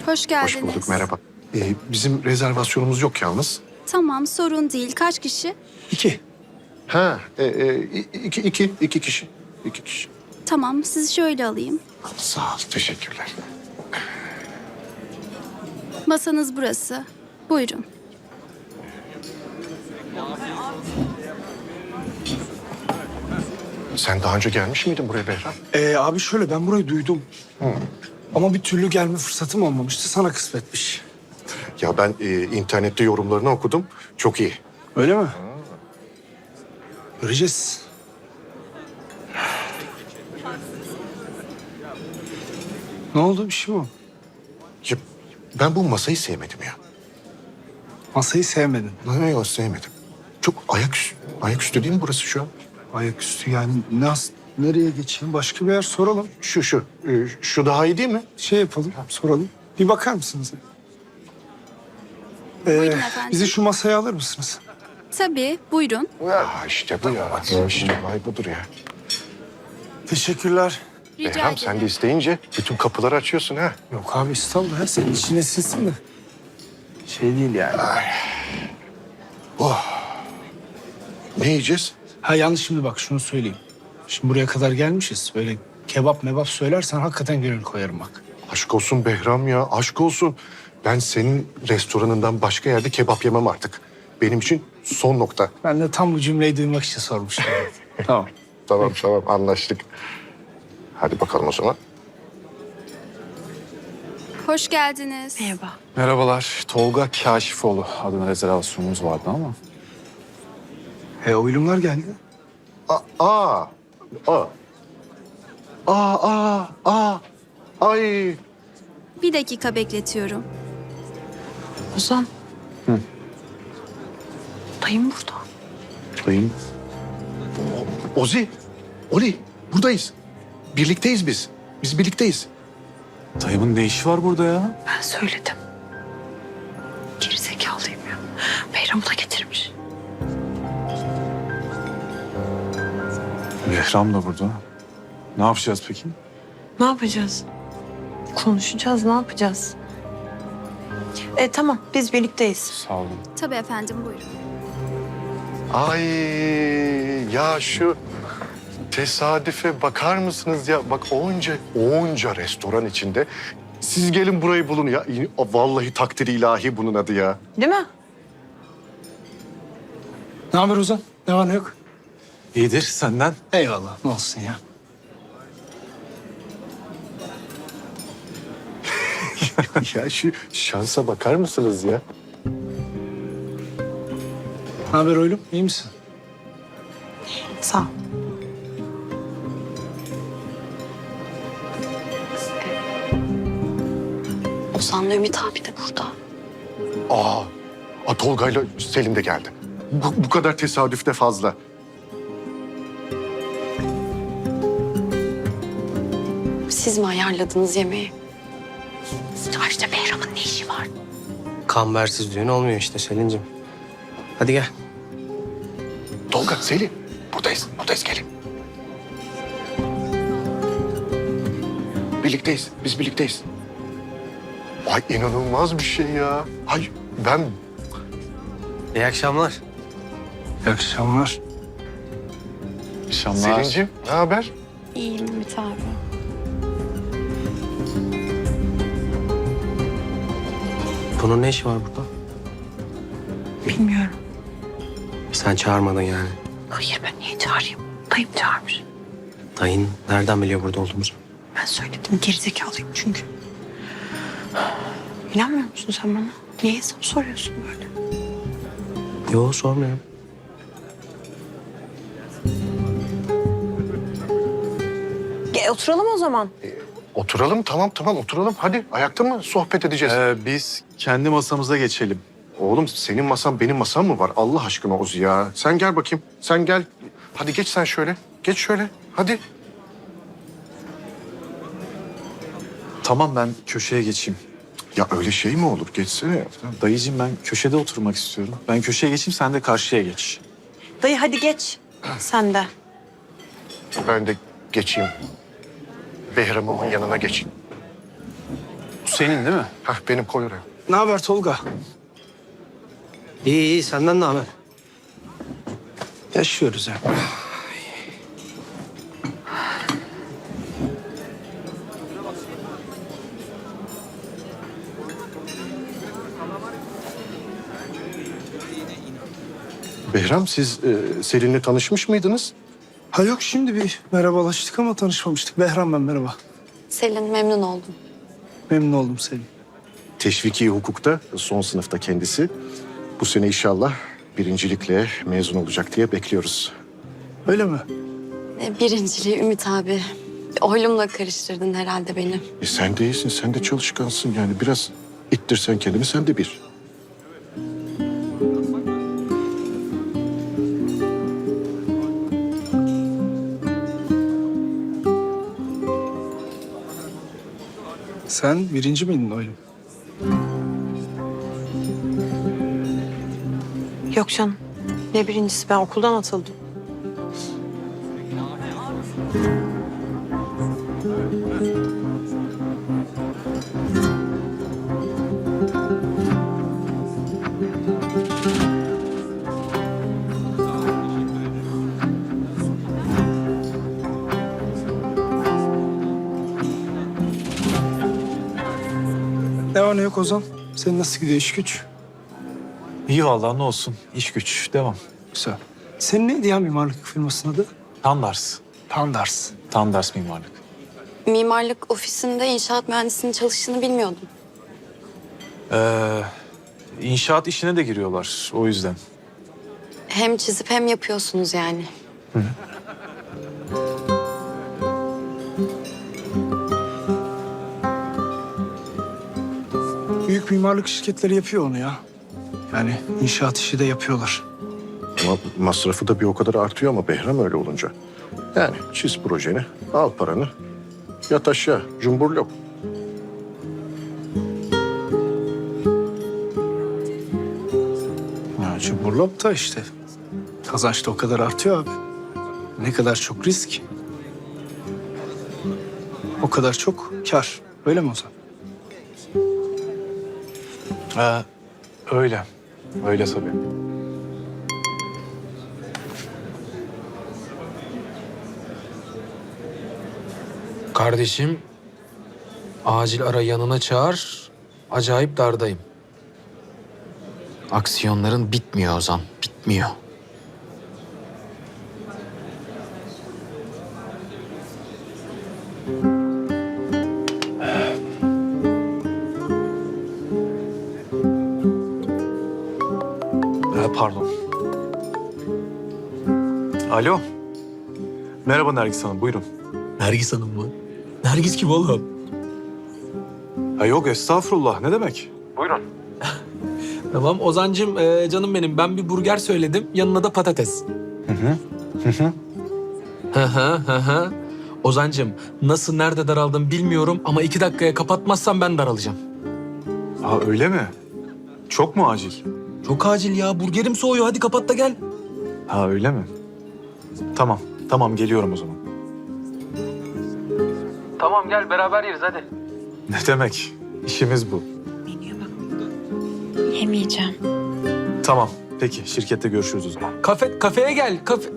Hoş geldiniz. Hoş bulduk, merhaba. Bizim rezervasyonumuz yok yalnız. Tamam, sorun değil. Kaç kişi? 2. Ha, iki kişi. 2 kişi. Tamam, sizi şöyle alayım. Sağ ol, teşekkürler. Masanız burası. Buyurun. Sen daha önce gelmiş miydin buraya Behram? Abi şöyle ben burayı duydum. Ama bir türlü gelme fırsatım olmamıştı. Sana kısmetmiş. Ya ben internette yorumlarını okudum. Çok iyi. Öyle mi? Göreceğiz. Ne oldu? Bir şey mi oldu? Ya, ben bu masayı sevmedim ya. Masayı sevmedin. Yok, sevmedim. Çok ayaküstü değil mi burası şu an? Ayaküstü yani nereye geçeyim? Başka bir yer soralım. Şu daha iyi değil mi? Şey yapalım, soralım. Bir bakar mısınız? Buyurun efendim. Bizi şu masaya alır mısınız? Tabii, buyurun. İşte bu ya. İşte vay budur ya. Teşekkürler. Rica Behram sen de ederim. isteyince bütün kapıları açıyorsun ha. Yok abi estağfurullah ya. Senin içine sinsin de. Şey değil yani. Ne yiyeceğiz? Ha yalnız şimdi bak şunu söyleyeyim. Şimdi buraya kadar gelmişiz. Böyle kebap mebap söylersen hakikaten gönül koyarım bak. Aşk olsun Behram ya, aşk olsun. Ben senin restoranından başka yerde kebap yemem artık. Benim için son nokta. Ben de tam bu cümleyi duymak için sormuştum. Tamam. Tamam anlaştık. Hadi bakalım o zaman. Hoş geldiniz. Merhaba. Merhabalar. Tolga Kaşifoğlu adına rezervasyonumuz vardı ama. Oylumlar geldi. Ay. Bir dakika bekletiyorum. Ozan. Dayım burada. Dayım. Ozi, Oli buradayız. Birlikteyiz biz. Biz birlikteyiz. Dayımın ne işi var burada ya? Ben söyledim. Gerizekalıyım ya. Behram'ı da getirmiş. Behram da burada. Ne yapacağız peki? Ne yapacağız? Konuşacağız, ne yapacağız? Tamam, biz birlikteyiz. Sağ olun. Tabii efendim, buyurun. Ay ya şu tesadüfe bakar mısınız ya? Bak onca restoran içinde siz gelin burayı bulun ya. Vallahi takdir ilahi bunun adı ya. Değil mi? Ne haber Ozan? Ne var ne yok? İyidir senden. Eyvallah. Ne olsun ya. Ya şu şansa bakar mısınız ya? Ne haber oylum? İyi misin? Sağ ol. Ozan'la Ümit abi de burada. Tolga'yla Selim de geldi. Bu kadar tesadüf de fazla. Siz mi ayarladınız yemeği? Ayrıca Behram'ın ne işi var? Kambersiz düğün olmuyor işte Selin'cim. Hadi gel. Tolga, Selim buradayız gelin. Birlikteyiz, biz birlikteyiz. Ay inanılmaz bir şey ya. Ay ben İyi akşamlar. İyi akşamlar. İnşallah. Selin'ciğim ne haber? İyiyim Ümit abi. Bunun ne işi var burada? Bilmiyorum. Sen çağırmadın yani. Hayır ben niye çağırayım? Dayım çağırmış. Dayın nereden biliyor burada olduğumuzu? Ben söyledim gerizekalıyım çünkü. İnanmıyor musun sen bana? Niye hesap soruyorsun böyle? Yo sormuyorum. Oturalım o zaman. Oturalım tamam oturalım. Hadi ayakta mı sohbet edeceğiz? Biz kendi masamıza geçelim. Oğlum senin masan benim masam mı var? Allah aşkına Ozi ya. Sen gel bakayım. Sen gel. Hadi geç sen şöyle. Geç şöyle. Hadi. Tamam ben köşeye geçeyim. Ya öyle şey mi olur? Geçsene. Dayıcığım ben köşede oturmak istiyorum. Ben köşeye geçeyim sen de karşıya geç. Dayı hadi geç. Sen de. Ben de geçeyim. Behram'ımın yanına geçeyim. senin değil mi? Hah, benim, koy oraya. Ne haber Tolga? İyi iyi senden ne haber? Yaşıyoruz ya. Behram, siz Selin'le tanışmış mıydınız? Ha yok, şimdi bir merhabalaştık ama tanışmamıştık. Behram ben, merhaba. Selin memnun oldum. Memnun oldum Selin. Teşviki hukukta son sınıfta kendisi. Bu sene inşallah birincilikle mezun olacak diye bekliyoruz. Öyle mi? Birinciliği Ümit abi. Oylumla karıştırdın herhalde beni. Sen de iyisin, sen de çalışkansın yani. Biraz ittirsen kendini, sen de bir. Sen birinci miydin oğlum? Yok canım. Ne birincisi, ben okuldan atıldım. Ne var ne yok Ozan? Senin nasıl gidiyor iş güç? İyi vallahi, ne olsun. İş güç, devam. Güzel. Senin neydi ya mimarlık firmasının adı? Tandars. Tandars. Tandars mimarlık. Mimarlık ofisinde inşaat mühendisinin çalıştığını bilmiyordum. İnşaat işine de giriyorlar o yüzden. Hem çizip hem yapıyorsunuz yani. Büyük mimarlık şirketleri yapıyor onu ya. Yani inşaat işi de yapıyorlar. Ama masrafı da bir o kadar artıyor ama Behram öyle olunca. Yani çiz projeni, al paranı, yat aşağı, cumburlop. Ya cumburlop da işte. Kazanç da o kadar artıyor abi. Ne kadar çok risk, o kadar çok kar. Öyle mi Ozan? Öyle. Öyle tabii. Kardeşim, acil ara yanına çağır. Acayip dardayım. Aksiyonların bitmiyor Ozan, bitmiyor. Pardon. Alo. Merhaba Nergis Hanım, buyurun. Nergis Hanım mı? Nergis kim oğlum? Ha yok, estağfurullah. Ne demek? Tamam Ozancığım, canım benim. Ben bir burger söyledim, yanına da patates. Hı. Ozancığım, nasıl, nerede daraldım bilmiyorum ama 2 dakikaya kapatmazsam ben daralacağım. Ha öyle mi? Çok mu acil? Çok acil ya, burgerim soğuyor. Hadi kapat da gel. Ha öyle mi? Tamam, tamam geliyorum o zaman. Tamam gel, beraber yeriz hadi. Ne demek? İşimiz bu. Yemeyeceğim. Tamam, peki. Şirkette görüşürüz o zaman. Kafeye gel, kafe...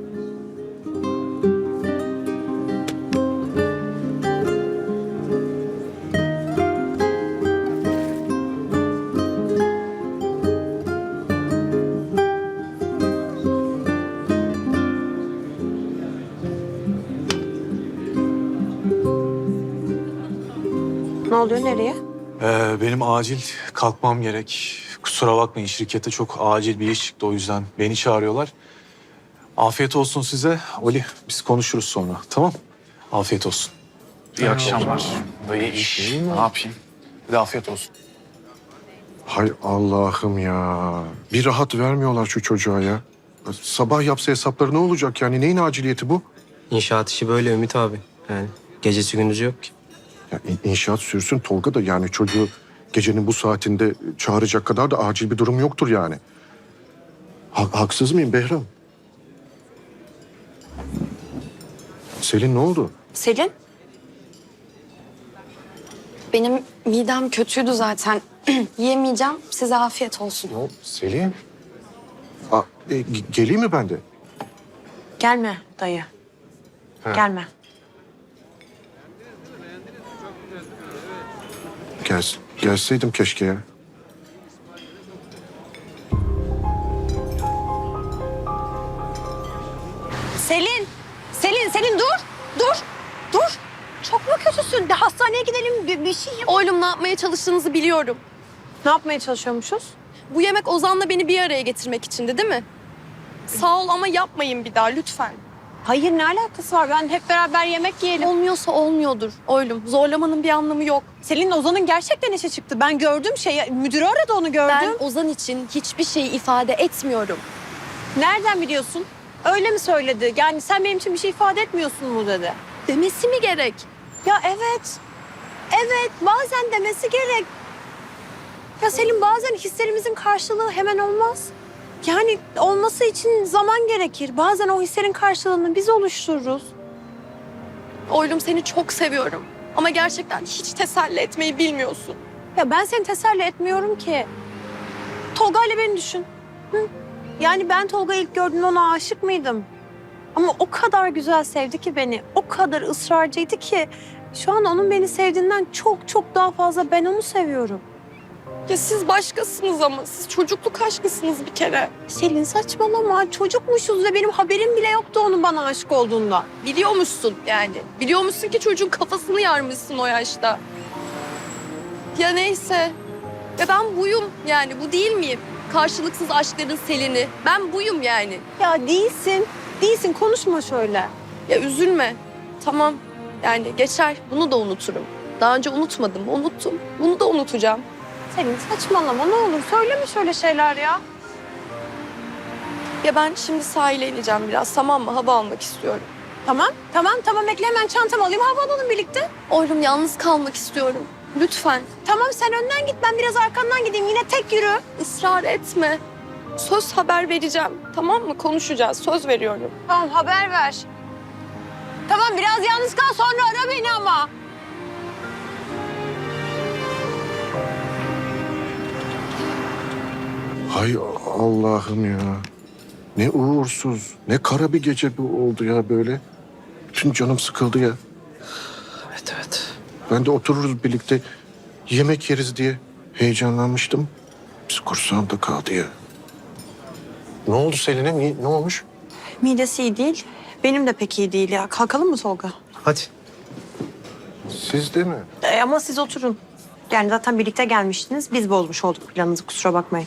Ne oluyor, nereye? Benim acil kalkmam gerek. Kusura bakmayın, şirkette çok acil bir iş çıktı, o yüzden beni çağırıyorlar. Afiyet olsun size. Oli, biz konuşuruz sonra, tamam? Afiyet olsun. İyi akşamlar. İyi iş. Ne yapayım? Bir de afiyet olsun. Hay Allah'ım ya. Bir rahat vermiyorlar şu çocuğa ya. Sabah yapsa hesapları ne olacak yani? Neyin aciliyeti bu? İnşaat işi böyle Ümit abi. Yani gecesi gündüzü yok ki. Ya inşaat sürsün Tolga da yani çocuğu gecenin bu saatinde çağıracak kadar da acil bir durum yoktur yani. Haksız mıyım Behram? Selin ne oldu? Selin? Benim midem kötüydü zaten. Yiyemeyeceğim. Size afiyet olsun. Ne oldu? Selin. Geleyim mi ben de? Gelme dayı. He. Gelme. Gelseydim keşke ya. Selin! Selin dur! Dur! Çok mu kötüsün? De hastaneye gidelim bir şey yap. Oğlum ne yapmaya çalıştığınızı biliyorum. Ne yapmaya çalışıyormuşuz? Bu yemek Ozan'la beni bir araya getirmek içindi değil mi? Sağ ol ama yapmayın bir daha lütfen. Hayır ne alakası var? Ben hep beraber yemek yiyelim. Olmuyorsa olmuyordur oğlum. Zorlamanın bir anlamı yok. Selin Ozan'ın gerçekten işe çıktı. Ben gördüm müdürü aradı onu gördüm. Ben Ozan için hiçbir şey ifade etmiyorum. Nereden biliyorsun? Öyle mi söyledi? Yani sen benim için bir şey ifade etmiyorsun mu dedi. Demesi mi gerek? Ya evet. Evet bazen demesi gerek. Ya Selin bazen hislerimizin karşılığı hemen olmaz. Yani olması için zaman gerekir. Bazen o hislerin karşılığını biz oluştururuz. Oğlum seni çok seviyorum. Ama gerçekten hiç teselli etmeyi bilmiyorsun. Ya ben seni teselli etmiyorum ki. Tolga ile beni düşün. Hı? Yani ben Tolga'yı ilk gördüğümde ona aşık mıydım? Ama o kadar güzel sevdi ki beni. O kadar ısrarcıydı ki. Şu an onun beni sevdiğinden çok daha fazla ben onu seviyorum. Ya siz başkasınız ama. Siz çocukluk aşkısınız bir kere. Selin saçmalama. Çocukmuşuz ve benim haberim bile yoktu onun bana aşık olduğunda. Biliyormuşsun yani. Biliyormuşsun ki çocuğun kafasını yarmışsın o yaşta. Ya neyse. Ya ben buyum yani. Bu değil miyim? Karşılıksız aşkların Selin'i. Ben buyum yani. Ya değilsin. Değilsin. Konuşma şöyle. Ya üzülme. Tamam. Yani geçer. Bunu da unuturum. Daha önce unutmadım. Unuttum. Bunu da unutacağım. Selin saçmalama ne olur. Söyleme şöyle şeyler ya. Ya ben şimdi sahile ineceğim biraz. Tamam mı? Hava almak istiyorum. Tamam. Bekle hemen çantamı alayım. Hava alalım birlikte. Oğlum yalnız kalmak istiyorum. Lütfen. Tamam sen önden git. Ben biraz arkandan gideyim. Yine tek yürü. Israr etme. Söz haber vereceğim. Tamam mı? Konuşacağız. Söz veriyorum. Tamam haber ver. Tamam biraz yalnız kal sonra ara beni ama. Hay Allah'ım ya. Ne uğursuz, ne kara bir gece bu oldu ya böyle. Bütün canım sıkıldı ya. Evet. Ben de otururuz birlikte yemek yeriz diye heyecanlanmıştım. Biz kursağımda kaldı ya. Ne oldu Selin'e? Ne olmuş? Midesi iyi değil. Benim de pek iyi değil ya. Kalkalım mı Tolga? Hadi. Siz de mi? Ama siz oturun. Yani zaten birlikte gelmiştiniz. Biz bozmuş olduk planınızı kusura bakmayın.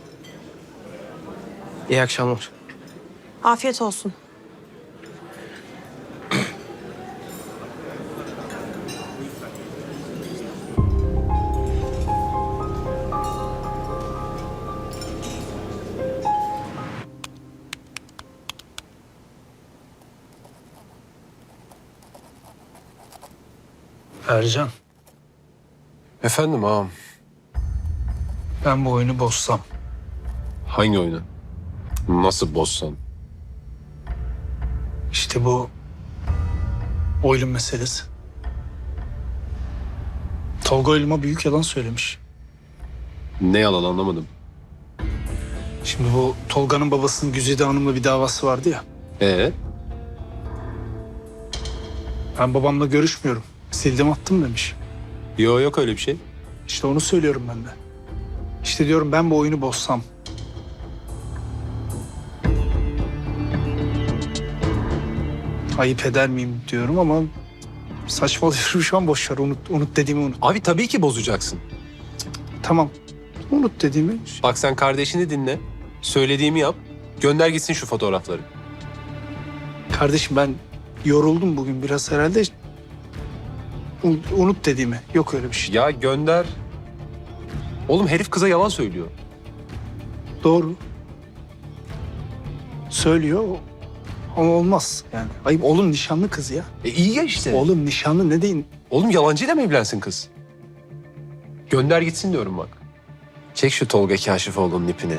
İyi akşamlar. Afiyet olsun. Ercan, Efendim ağam. ben bu oyunu bozsam. Hangi oyunu? Nasıl bozsan? İşte bu oylum meselesi. Tolga oyluma büyük yalan söylemiş. Ne yalan anlamadım. Şimdi bu Tolga'nın babasının Güzide Hanım'la bir davası vardı ya. Ben babamla görüşmüyorum. Sildim attım demiş. Yok öyle bir şey. İşte onu söylüyorum ben de. İşte diyorum ben bu oyunu bozsam. Ayıp eder miyim diyorum ama saçmalıyorum şu an boş ver. Unut dediğimi unut. Abi tabii ki bozacaksın. Tamam. Unut dediğimi. Bak sen kardeşini dinle. Söylediğimi yap. Gönder gitsin şu fotoğrafları. Kardeşim ben yoruldum bugün biraz herhalde. Unut dediğimi. Yok öyle bir şey. Ya gönder. Oğlum herif kıza yalan söylüyor. Doğru. Söylüyor ama olmaz yani. Ayıp oğlum nişanlı kız ya. İyi ya işte. Oğlum nişanlı ne deyin? Oğlum yalancıyla mı evlensin kız? Gönder gitsin diyorum bak. Çek şu Tolga Kaşifoğlu'nun ipini.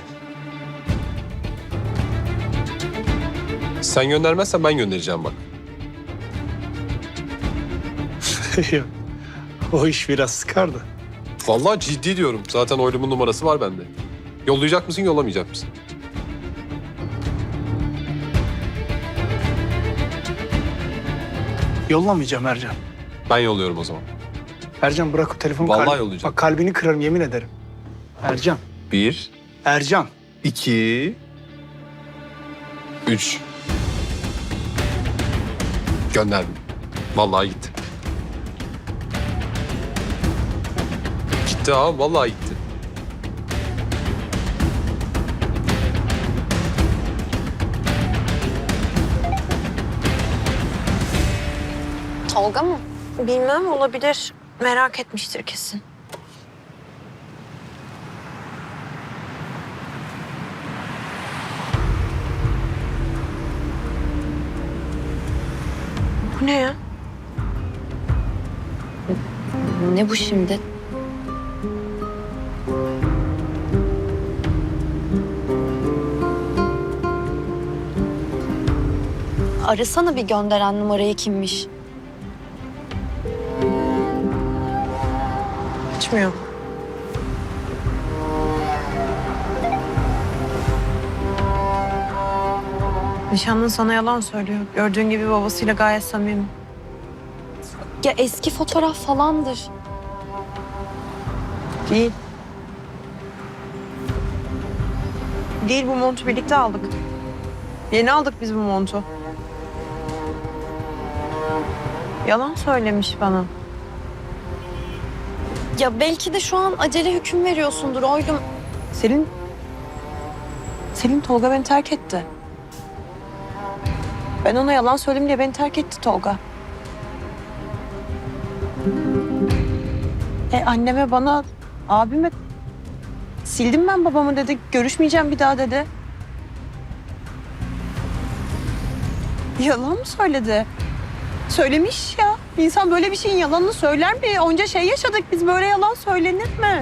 Sen göndermezsen ben göndereceğim bak. O iş biraz sıkardı. Vallahi ciddi diyorum. Zaten oylumun numarası var bende. Yollayacak mısın, yollamayacak mısın? Yollamayacağım Ercan. Ben yolluyorum o zaman. Ercan bırak o telefonu. Vallahi yollayacağım. Bak kalbini kırarım yemin ederim. Ercan. 1, Ercan. 2, 3. Gönderdim. Vallahi gitti. Gitti abi, vallahi gitti. Tolga mı? Bilmem, olabilir. Merak etmiştir kesin. Bu ne ya? Ne bu şimdi? Arasana bir gönderen numarayı kimmiş? Açmıyor. Nişanlın sana yalan söylüyor. Gördüğün gibi babasıyla gayet samimi. Ya eski fotoğraf falandır. Değil. Değil, bu montu birlikte aldık. Yeni aldık biz bu montu. Yalan söylemiş bana. Ya belki de şu an acele hüküm veriyorsundur oylum. Selin Tolga beni terk etti. Ben ona yalan söyledim diye beni terk etti Tolga. Anneme, bana, abime sildim ben babamı dedi. Görüşmeyeceğim bir daha dedi. Yalan mı söyledi? Söylemiş ya. İnsan böyle bir şeyin yalanını söyler mi? Onca şey yaşadık biz, böyle yalan söylenir mi?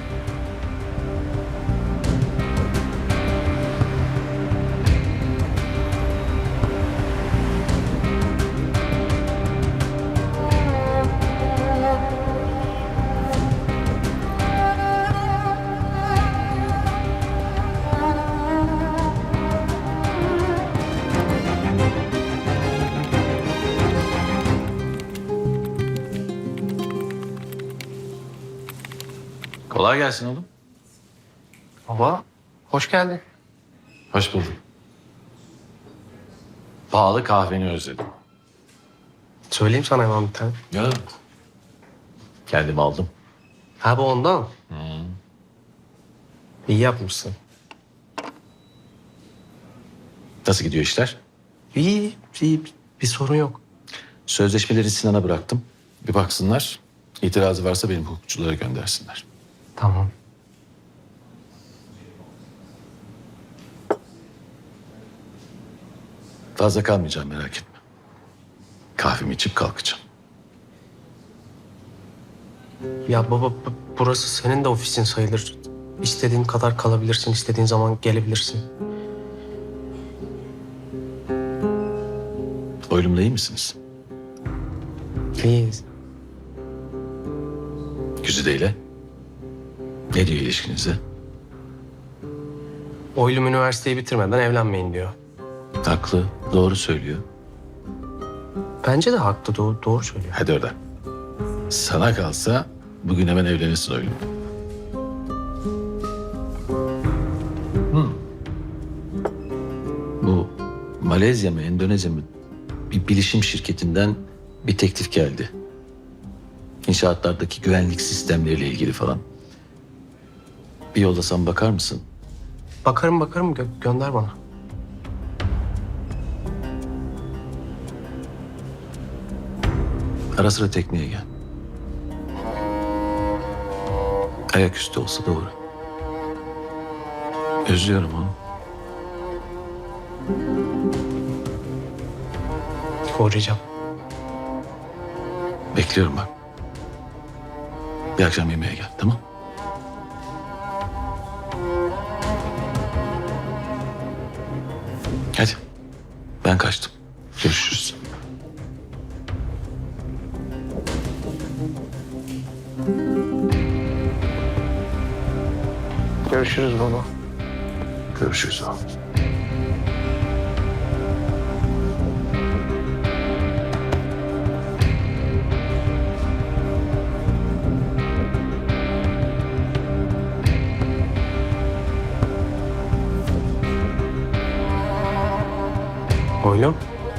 Kolay gelsin oğlum. Baba, hoş geldin. Hoş bulduk. Pahalı kahveni özledim. Söyleyeyim sana hemen bir tane. Ya. Kendim aldım. Ha bu ondan. İyi yapmışsın. Nasıl gidiyor işler? İyi, iyi. Bir sorun yok. Sözleşmeleri Sinan'a bıraktım. Bir baksınlar. İtirazı varsa benim hukukçulara göndersinler. Tamam. Fazla kalmayacağım merak etme. Kahvemi içip kalkacağım. Ya baba, burası senin de ofisin sayılır. İstediğin kadar kalabilirsin, istediğin zaman gelebilirsin. Oylumla iyi misiniz? İyiyiz. Güzide ile. Ne diyor ilişkinize? Oylum üniversiteyi bitirmeden evlenmeyin diyor. Haklı, doğru söylüyor. Bence de haklı, doğru söylüyor. Hadi oradan. Sana kalsa bugün hemen evlenirsin oylum. Bu Malezya mı, Endonezya mı bir bilişim şirketinden bir teklif geldi. İnşaatlardaki güvenlik sistemleriyle ilgili falan. Bir yollasam bakar mısın? Bakarım, gönder bana. Ara sıra tekneye gel. Ayaküstü olsa doğru. Özlüyorum onu. Koruyacağım. Bekliyorum bak. Bir akşam yemeğe gel, tamam? Hadi. Ben kaçtım. Görüşürüz. Görüşürüz baba. Görüşürüz oğlum. Oylum.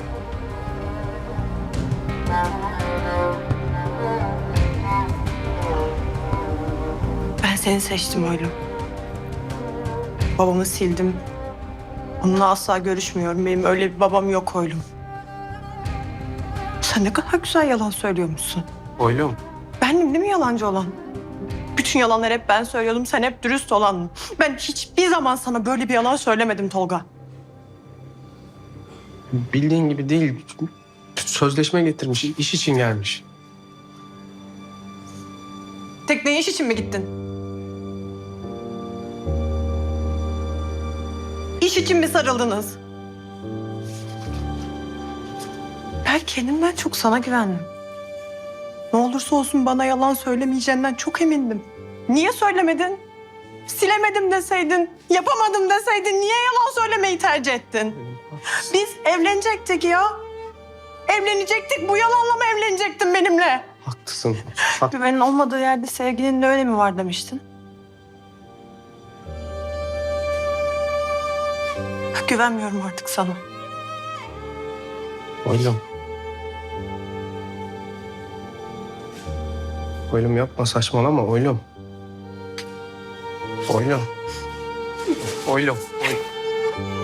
Ben seni seçtim oğlum. Babamı sildim. Onunla asla görüşmüyorum. Benim öyle bir babam yok oğlum. Sen ne kadar güzel yalan söylüyormuşsun. Oylum. Bendim değil mi yalancı olan? Bütün yalanları hep ben söylüyordum. Sen hep dürüst olan. Ben hiçbir zaman sana böyle bir yalan söylemedim Tolga. Bildiğin gibi değil. Sözleşme getirmiş. İş için gelmiş. Tekneye iş için mi gittin? İş için mi sarıldınız? Ben kendimden çok sana güvendim. Ne olursa olsun bana yalan söylemeyeceğinden çok emindim. Niye söylemedin? Silemedim deseydin, yapamadım deseydin niye yalan söylemeyi tercih ettin? Biz evlenecektik ya. Evlenecektik. Bu yalanla mı evlenecektin benimle? Haklısın. Güvenin olmadığı yerde sevginin de öyle mi var demiştin? Güvenmiyorum artık sana. Oylum. Oylum yapma, saçmalama oylum. Oylum. Oylum. Oylum.